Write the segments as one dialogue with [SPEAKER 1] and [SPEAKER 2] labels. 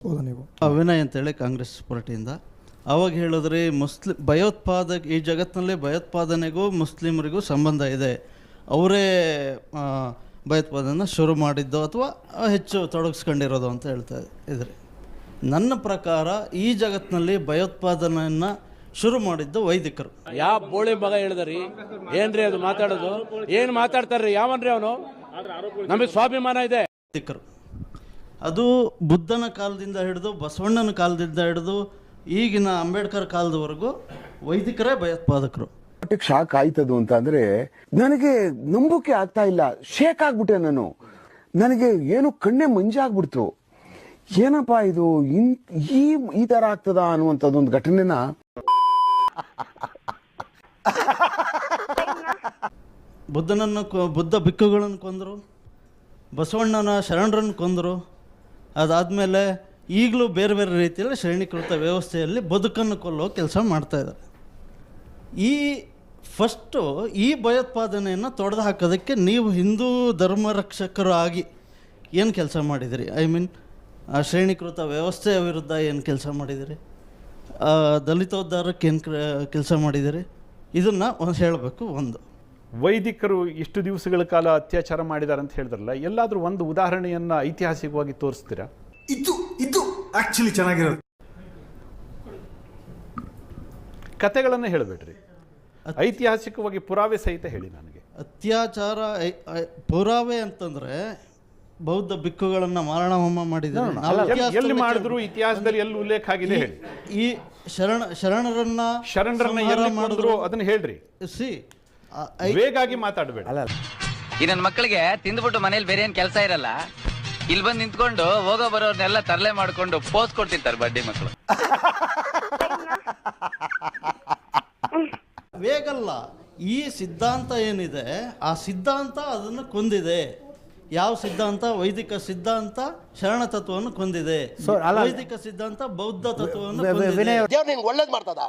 [SPEAKER 1] ಹೌದಾ ನೀವು
[SPEAKER 2] ಅವಿನಯ್ ಅಂತೇಳಿ ಕಾಂಗ್ರೆಸ್ ಪಾರ್ಟಿಯಿಂದ ಅವಾಗ ಹೇಳಿದ್ರಿ ಭಯೋತ್ಪಾದಕ ಈ ಜಗತ್ತಿನಲ್ಲಿ ಭಯೋತ್ಪಾದನೆಗೂ ಮುಸ್ಲಿಮರಿಗೂ ಸಂಬಂಧ ಇದೆ, ಅವರೇ ಭಯೋತ್ಪಾದನೆ ಶುರು ಮಾಡಿದ್ದು ಅಥವಾ ಹೆಚ್ಚು ತೊಡಗಿಸ್ಕೊಂಡಿರೋದು ಅಂತ ಹೇಳ್ತಾ ಇದ್ರಿ. ನನ್ನ ಪ್ರಕಾರ ಈ ಜಗತ್ತಿನಲ್ಲಿ ಭಯೋತ್ಪಾದನೆಯನ್ನು ಶುರು ಮಾಡಿದ್ದು ವೈದಿಕರು.
[SPEAKER 3] ಯಾವ ಬೋಳಿ ಮಗ ಹೇಳಿದ್ರಿ ಏನ್ರಿ ಅದು ಮಾತಾಡೋದು? ಏನು ಮಾತಾಡ್ತಾರ್ರಿ? ಯಾವನ್ರಿ ಅವನು? ನಮಗೆ ಸ್ವಾಭಿಮಾನ ಇದೆ.
[SPEAKER 2] ವೈದಿಕರು ಅದು ಬುದ್ಧನ ಕಾಲದಿಂದ ಹಿಡಿದು ಬಸವಣ್ಣನ ಕಾಲದಿಂದ ಹಿಡಿದು ಈಗಿನ ಅಂಬೇಡ್ಕರ್ ಕಾಲದವರೆಗೂ ವೈದಿಕರೇ ಭಯೋತ್ಪಾದಕರು.
[SPEAKER 4] ಶಾಕ್ ಆಯ್ತದು ಅಂತ ಅಂದ್ರೆ ನನಗೆ ನಂಬೋಕೆ ಆಗ್ತಾ ಇಲ್ಲ. ಶೇಕ್ ಆಗ್ಬಿಟ್ಟೆ ನಾನು. ನನಗೆ ಏನು ಕಣ್ಣೆ ಮಂಜಾಗ್ಬಿಡ್ತು. ಏನಪ್ಪಾ ಇದು ಈ ತರ ಆಗ್ತದ ಅನ್ನುವಂಥದ್ದು ಒಂದು ಘಟನೆನ
[SPEAKER 2] ಬುದ್ಧ ಭಿಕ್ಕುಗಳನ್ನು ಕೊಂದರು, ಬಸವಣ್ಣನ ಶರಣರನ್ನು ಕೊಂದರು. ಅದಾದಮೇಲೆ ಈಗಲೂ ಬೇರೆ ಬೇರೆ ರೀತಿಯಲ್ಲಿ ಶ್ರೇಣೀಕೃತ ವ್ಯವಸ್ಥೆಯಲ್ಲಿ ಬದುಕನ್ನು ಕೊಲ್ಲೋ ಕೆಲಸ ಮಾಡ್ತಾಯಿದ್ದಾರೆ. ಫಸ್ಟು ಈ ಭಯೋತ್ಪಾದನೆಯನ್ನು ತೊಡೆದು ಹಾಕೋದಕ್ಕೆ ನೀವು ಹಿಂದೂ ಧರ್ಮ ರಕ್ಷಕರು ಆಗಿ ಏನು ಕೆಲಸ ಮಾಡಿದಿರಿ? ಐ ಮೀನ್ ಆ ಶ್ರೇಣೀಕೃತ ವ್ಯವಸ್ಥೆಯ ವಿರುದ್ಧ ಏನು ಕೆಲಸ ಮಾಡಿದಿರಿ? ದಲಿತೋದ್ಧಾರಕ್ಕೆ ಏನು ಕೆಲಸ ಮಾಡಿದಿರಿ? ಇದನ್ನು ಹೇಳಬೇಕು. ಒಂದು
[SPEAKER 5] ವೈದಿಕರು ಇಷ್ಟು ದಿವಸಗಳ ಕಾಲ ಅತ್ಯಾಚಾರ ಮಾಡಿದ್ದಾರೆ ಅಂತ ಹೇಳಿದ್ರಲ್ಲ, ಎಲ್ಲಾದರೂ ಒಂದು ಉದಾಹರಣೆಯನ್ನು ಐತಿಹಾಸಿಕವಾಗಿ ತೋರಿಸ್ತೀರಾ?
[SPEAKER 1] ಇದು ಆಕ್ಚುಲಿ ಚೆನ್ನಾಗಿರೋದು.
[SPEAKER 5] ಕತೆಗಳನ್ನು ಹೇಳಬೇಡ್ರಿ, ಐತಿಹಾಸಿಕವಾಗಿ ಪುರಾವೆ ಸಹಿತ ಹೇಳಿ ನನಗೆ.
[SPEAKER 2] ಅತ್ಯಾಚಾರ ಪುರಾವೆ ಅಂತಂದರೆ ಬೌದ್ಧ ಭಿಕ್ಕುಗಳನ್ನು ಮಾರಣ ಹೋಮ ಮಾಡಿದ್ದಾರೆ.
[SPEAKER 5] ಎಲ್ಲಿ ಮಾಡಿದ್ರು ಇತಿಹಾಸದಲ್ಲಿ ಎಲ್ಲಿ ಉಲ್ಲೇಖ ಆಗಿದೆ ಹೇಳಿ.
[SPEAKER 2] ಈ ಶರಣರನ್ನ
[SPEAKER 5] ಎಲ್ಲಿ ಮಾಡಿದ್ರು ಅದನ್ನ ಹೇಳ್ರಿ. ವೇಗಾಗಿ ಮಾತಾಡಬೇಡ.
[SPEAKER 6] ಈ ನನ್ನ ಮಕ್ಕಳಿಗೆ ತಿಂದ್ಬಿಟ್ಟು ಮನೇಲಿ ಬೇರೆ ಏನ್ ಕೆಲಸ ಇರಲ್ಲ, ಇಲ್ಲಿ ಬಂದು ನಿಂತ್ಕೊಂಡು ಹೋಗೋ ಬರೋರ್ನೆಲ್ಲ ತರಲೆ ಮಾಡ್ಕೊಂಡು ಪೋಸ್ ಕೊಡ್ತಿರ್ತಾರೆ ಬಡ್ಡಿ ಮಕ್ಕಳು.
[SPEAKER 2] ವೇಗಲ್ಲ, ಈ ಸಿದ್ಧಾಂತ ಏನಿದೆ ಆ ಸಿದ್ಧಾಂತ ಅದನ್ನು ಕೊಂದಿದೆ. ಯಾವ ಸಿದ್ಧಾಂತ? ವೈದಿಕ ಸಿದ್ಧಾಂತ ಶರಣ ತತ್ವವನ್ನು ಕೊಂದಿದೆ. ವೈದಿಕ ಸಿದ್ಧಾಂತ ಬೌದ್ಧ ತತ್ವವನ್ನು
[SPEAKER 7] ನಿಂಗೆ ಒಳ್ಳೇದು ಮಾಡ್ತದ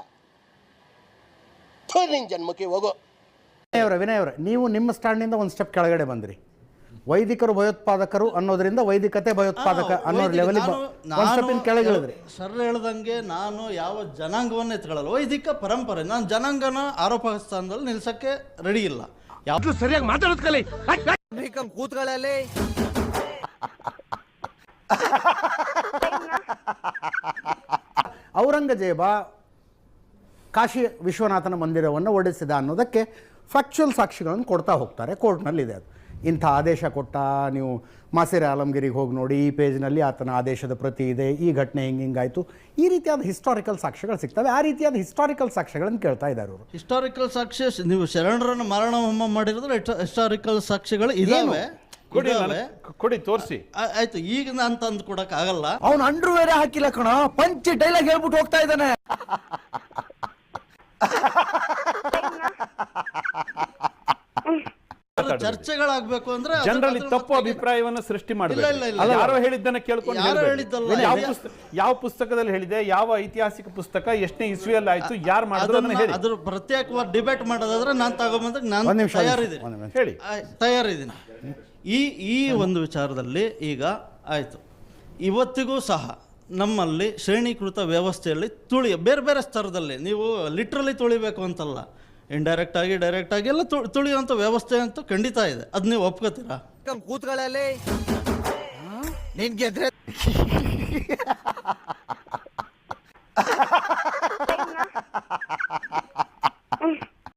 [SPEAKER 7] ನಿನ್ ಜನ್ಮಕ್ಕೆ ಹೋಗೋ.
[SPEAKER 8] ವಿನಯ್ ಅವರೇ, ನೀವು ನಿಮ್ಮ ಸ್ಟ್ಯಾಂಡಿಂದ ಒಂದು ಸ್ಟೆಪ್ ಕೆಳಗಡೆ ಬಂದ್ರಿ. ವೈದಿಕರು ಭಯೋತ್ಪಾದಕರು ಅನ್ನೋದ್ರಿಂದ ವೈದಿಕತೆ ಭಯೋತ್ಪಾದಕ ಅನ್ನೋ ಲೆವೆಲಿಗೆ ಕೆಳಗೆ ಹೇಳಿದ್ರಿ.
[SPEAKER 2] ಸರ್ ಹೇಳ್ದಂಗೆ ನಾನು ಯಾವ ಜನಾಂಗವನ್ನು ಎತ್ಕೊಳ್ಳಲ್ಲ. ವೈದಿಕ ಪರಂಪರೆ, ನಾನು ಜನಾಂಗನ ಆರೋಪ ಸ್ಥಾನದಲ್ಲಿ ನಿಲ್ಸಕ್ಕೆ ರೆಡಿ ಇಲ್ಲ.
[SPEAKER 3] ಯಾವ್ದು ಸರಿಯಾಗಿ ಮಾತಾಡೋದ್ ಕಲಿ.
[SPEAKER 6] ಕೂತ್ಗಳಲ್ಲಿ
[SPEAKER 8] ಔರಂಗಜೇಬ ಕಾಶಿ ವಿಶ್ವನಾಥನ ಮಂದಿರವನ್ನು ಒಡೆಸಿದ ಅನ್ನೋದಕ್ಕೆ ಫ್ಯಾಕ್ಚುಯಲ್ ಸಾಕ್ಷಿಗಳನ್ನು ಕೊಡ್ತಾ ಹೋಗ್ತಾರೆ. ಕೋರ್ಟ್ನಲ್ಲಿದೆ ಅದು. ಇಂಥ ಆದೇಶ ಕೊಟ್ಟ, ನೀವು ಮಾಸಿರ್ ಆಲಂಗಿರಿಗೆ ಹೋಗಿ ನೋಡಿ, ಈ ಪೇಜ್ನಲ್ಲಿ ಆತನ ಆದೇಶದ ಪ್ರತಿ ಇದೆ, ಈ ಘಟನೆ ಹಿಂಗಾಯಿತು, ಈ ರೀತಿಯಾದ ಹಿಸ್ಟಾರಿಕಲ್ ಸಾಕ್ಷ್ಯಗಳು ಸಿಗ್ತವೆ. ಆ ರೀತಿಯಾದ ಹಿಸ್ಟಾರಿಕಲ್ ಸಾಕ್ಷ್ಯಗಳನ್ನು ಕೇಳ್ತಾ ಇದ್ದಾರೆ ಅವರು.
[SPEAKER 2] ಹಿಸ್ಟಾರಿಕಲ್ ಸಾಕ್ಷ್ಯ ನೀವು ಶರಣರನ್ನು ಮಾರಣ ಹೋಮ ಮಾಡಿರೋದ್ರೆ ಹಿಸ್ಟಾರಿಕಲ್ ಸಾಕ್ಷ್ಯಗಳು ಇದಾವೆ.
[SPEAKER 5] ಕೊಡಿ, ತೋರಿಸಿ.
[SPEAKER 2] ಆಯ್ತು, ಈಗ ನಾನು ತಂದು ಕೊಡಕ್ ಆಗಲ್ಲ.
[SPEAKER 1] ಅವನು ಅಂಡ್ರು ಬೇರೆ ಹಾಕಿಲ್ಲ ಕಣ, ಪಂಚ್ ಡೈಲಾಗ್ ಹೇಳ್ಬಿಟ್ಟು ಹೋಗ್ತಾ ಇದ್ದಾನೆ.
[SPEAKER 2] ಚರ್ಚೆಗಳಾಗಬೇಕು ಅಂದ್ರೆ
[SPEAKER 5] ಜನರಲ್ಲಿ ತಪ್ಪು ಅಭಿಪ್ರಾಯವನ್ನು ಸೃಷ್ಟಿ ಮಾಡಬೇಕು. ಯಾರೋ ಹೇಳಿದ್ದನ್ನ ಕೇಳ್ಕೊಂಡು ಯಾವ ಪುಸ್ತಕದಲ್ಲಿ ಹೇಳಿದೆ, ಯಾವ ಐತಿಹಾಸಿಕ ಪುಸ್ತಕ, ಎಷ್ಟನೇ ಇಸ್ವಿಯಲ್ಲಿ ಆಯ್ತು, ಯಾರು ಮಾಡಿದ್ರು ಅದನ್ನ ಹೇಳಿ.
[SPEAKER 2] ಅದ್ರ ಪ್ರತ್ಯೇಕವಾಗಿ ಡಿಬೇಟ್ ಮಾಡೋದಾದ್ರೆ ನಾನು ತಗೊಂಬಂದಾಗ ನಾನು ತಯಾರಿದ್ದೀನಿ. ಈ ಒಂದು ವಿಚಾರದಲ್ಲಿ ಈಗ ಆಯ್ತು, ಇವತ್ತಿಗೂ ಸಹ ನಮ್ಮಲ್ಲಿ ಶ್ರೇಣೀಕೃತ ವ್ಯವಸ್ಥೆಯಲ್ಲಿ ಬೇರೆ ಬೇರೆ ಸ್ತರದಲ್ಲಿ, ನೀವು ಲಿಟ್ರಲಿ ತುಳಿಬೇಕು ಅಂತಲ್ಲ, ಇಂಡೈರೆಕ್ಟ್ ಆಗಿ ಡೈರೆಕ್ಟ್ ಆಗಿ ಎಲ್ಲ ತುಳಿಯುವಂಥ ವ್ಯವಸ್ಥೆ ಅಂತೂ ಖಂಡಿತ ಇದೆ. ಅದು ನೀವು ಒಪ್ಕೋತೀರಾ?
[SPEAKER 6] ಕೂತ್ಗಳಲ್ಲಿ ನಿನ್ಗೆ